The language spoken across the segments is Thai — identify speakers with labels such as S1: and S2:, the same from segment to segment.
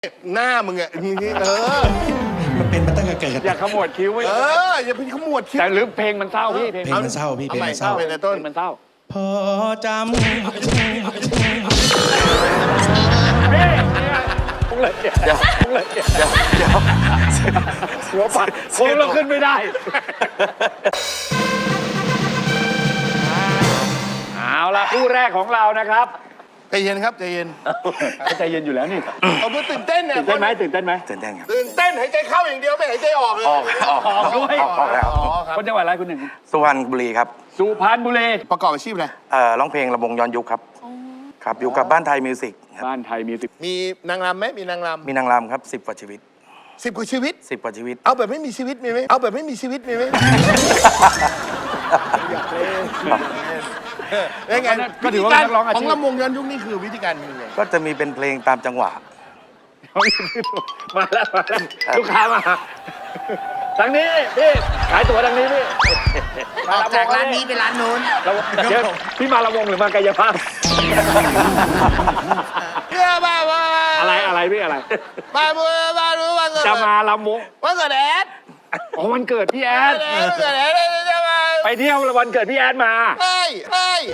S1: หน้ามึงอะ
S2: มันเป็นมาตั้งแต่เกิด
S3: อย่าขมวดคิ้วไว้
S1: อย่าไปขมวดคิ้ว
S3: แต่หรือเพลงมันเศร้าพี่เพลง
S2: มันเศร้าพี่เพลงมันเศร้า
S1: เพลงในต้น
S3: มันเศร้า
S2: พอจำ
S3: พี่พุ่งเลยเดี๋ยวพุ่งเลยเดี๋ยวหัวปัดโค้งเราขึ้นไม่ได้เอาละคู่แรกของเรานะครับ
S1: ใจเย็นครับใจเย็น
S3: ใจเย็นอยู่แล้วนี่
S1: เอาเพื่อตื่นเต้นเนี่ย
S3: ตื่นเต้นไหมตื่นเต้นไหม
S2: ตื่นเต้นครับ
S1: ตื่นเต้นหายใจเข้าอย่างเดียวไม่หายใจออกเลย
S3: ออกด้วย
S2: ออกแล้ว
S3: คนจังหวัดอะไรคุณหนึ่ง
S2: สุพรรณบุรีครับ
S3: สุพรรณบุรี
S1: ประกอบอาชีพอะไร
S2: ร้องเพลงระบงย้อนยุคครับครับอยู่กับบ้านไทยมิวสิกครับ
S3: บ้านไทยมี10
S1: มีนางรำไหมมีนางร
S2: มีนางรำครับ10 กว่าชีวิต
S1: ำ10 กว่าชีวิต
S2: 10 กว่าชีวิต
S1: เอาแบบไม่มีชีวิตมีไหมเอาแบบไม่มีชีวิตมีไหมยังไง
S3: ก็ถือว่าเป็นนักร้องอา
S1: ขอ
S3: ชี
S1: ง
S3: พ
S1: ลำวงย้อนยุคนี่คือวิธีการยังไง
S2: ก็จะมีเป็นเพลงตามจังหวะ
S3: มาแล้วลูกค้ามาทางนี้พี่ขายตั๋วทางนี้พี่
S1: ออกจากร้านนี้ไปร้านนู้น
S3: เดี๋ยวพี่มาละวงหรือมากายภาพ
S1: เพื่อบ้า
S3: อะไรพี่อะไร
S1: บ้ารู้วันเกิด
S3: จะมาลำวง
S1: วันเกิดแอด
S3: อ๋อวันเกิดพี่แอด
S1: วันเกิดแอดจะมา
S3: ไปเที่ยววันเกิดพี่แอดมา
S1: เฮ้ย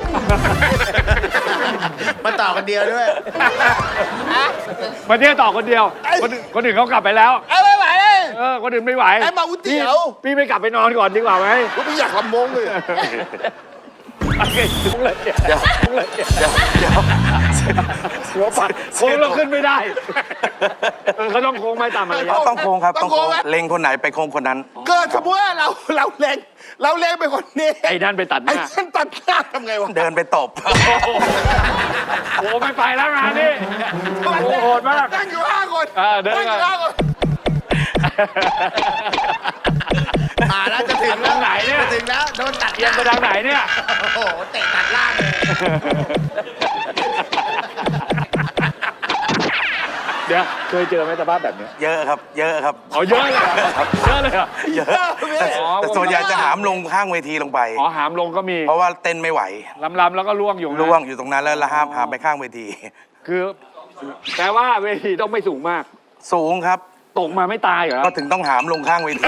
S1: มาต่อกันเดียวด้วย
S3: มาเที่ยวต่อคนเดียวคนอื่นเขากลับไปแล้ว
S1: ไม่ไหวเลย
S3: คนอื่นไม่ไหว
S1: ไอ้มาก๋วยเตี๋ยว
S3: พี่ไม่กลับไปนอนก่อนดีกว่าไหม
S1: พี่อยากลำวงเลย
S3: โอเคพุ่งเลยเดี๋ยวพุ่งเลยเดี๋ยวหัวปัดโค้งเราขึ้นไม่ได้เขาต้องโค้งไม่ตามมารยาท
S2: ต้องโค้งครับต้องโค้งเล็งคนไหนไปโค้งคนนั้น
S1: เกิดสมมติว่าเราเล็งไปคนนี้
S3: ไอ้นั่นไปตัดห
S1: ไอ้
S3: น้า
S1: ฉันตัดหน้าทำไงวะ
S2: เดินไปตบ
S3: โอ้ไม่ไปแล้วงานนี่โอ้โหดมาก
S1: นั่งอยู่5 คน
S3: เดิน
S1: นั่งอยู่5 คนแล้วจะถึง
S3: ทางไหนเนี่ย
S1: ถึงแล้วโดนตัด
S3: เอียงไปทางไหนเนี่ย
S1: โอ้โหเตะตัดล่างเลย
S3: เดี๋ยวเคยเจอไหมสภาพแบบเนี้ย
S2: เยอะครับเยอะครับ
S3: อ๋อเยอะเลยเหรอเยอะเลยเหรอ
S2: เยอะแต่ส่วนใหญ่จะหามลงข้างเวทีลงไป
S3: อ๋อหามลงก็มี
S2: เพราะว่าเต้นไม่ไหว
S3: ลำแล้วก็ล่วงอยู่นะ
S2: ล่วงอยู่ตรงนั้นแล้วละห้ามหามไปข้างเวที
S3: คือแปลว่าเวทีต้องไม่สูงมาก
S2: สูงครับ
S3: ตกมาไม่ตายเหรอ
S2: ก็ถึงต้องหามลงข้างเวที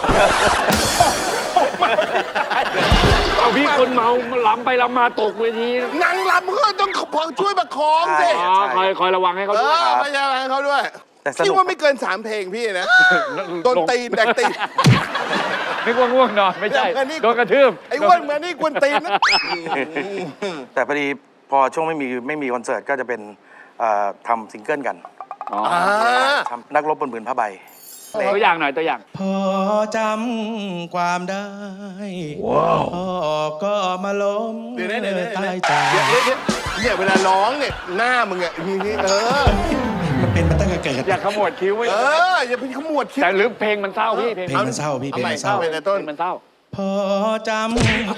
S3: เอาพี่คนเมาล้ำไปล้ำมาตกเวที
S1: นางรำก็ต้องช่วยประคองสิ
S3: อ๋อคอยระวังให้เขาด้วย
S1: พยายามให้เขาด้วย
S2: แต่ส
S1: คิด
S2: นุก
S1: ว่าไม่เกิน3 เพลงพี่นะโดนตีนแดกตีน
S3: นึกว่าง่วงนอนไม่ใช่ โดนกระทืบ
S1: ไอ้อ้วนเหมือนนี่กวนตีนนะ
S2: แต่พอดีพอช่วงไม่มีคอนเสิร์ตก็จะเป็นทำซิงเกิลกัน
S3: อ๋อ
S2: ทำนักรบบนผืนผ้าใบ
S3: ตัวอย่างหน่อยตัวอย่าง
S2: พอจำความได้พ่อก็มาล้ม
S1: เดี๋ยว
S2: ใต้ตา
S1: เนี่ยเวลาร้องเนี่ยหน้ามึงอะ
S2: มันเป็นมาตั้งแต่เกิด
S3: อย่าขมวดคิ้วไว้
S1: อย่าไปขมวดคิ้ว
S3: แต่หรือเพลงมันเศร้าพี่เพลง
S2: เพลงมันเศร้าพี่เพลงมันเศร้า
S1: เพลงในต้น
S3: มันเศร้า
S2: พอจำ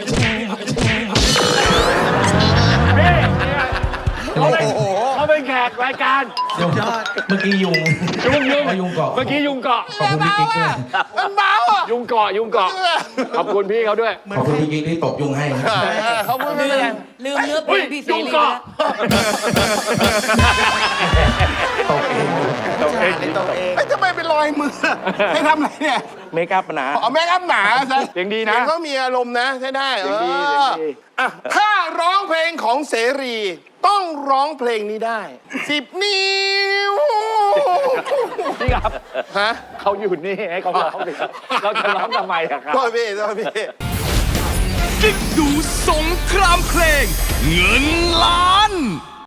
S3: พี่เขาเป็นแขกรายการ
S2: เมื่อกี้ยุง
S3: ยุงเกาะ
S2: เมื่อกี้ยุงเกาะ
S3: เมื่อกี้ยุงเกาะ
S2: ขอบคุณพี่กิ๊กด้วย
S1: มันเบาอ่ะ
S3: ยุงเกาะขอบคุณพี่เขาด้วย
S2: ขอบคุณพี่กิ๊กที่ตบยุงให้
S1: เขาพูดไม่เป็นไร
S4: ลืมเนื้อเพลงพี่เส
S3: ยุง
S4: รี
S3: เกาะ
S2: ตบเอง
S3: ตกเอง
S1: ไอ้ทำไมเป็นรอยมือให้ทำอะไรเนี่ย
S2: เมคอัพนะ
S1: เอาแม่งอัพหนาซะ
S3: เสียงดีนะ
S1: เขามีอารมณ์นะใช่ได้
S3: เสียงดี
S1: อ่ะถ้าร้องเพลงของเสรี ต้องร้องเพลงนี้ได้10 นิ้ว
S3: พี่ครับ
S1: ฮะ
S3: เขาอยู่นี่ให้เขาร้องสิครับเราจะร้องทำไมอะครับ
S1: โทษพี่
S5: กิ๊กดูสงครามเพลง เงินล้าน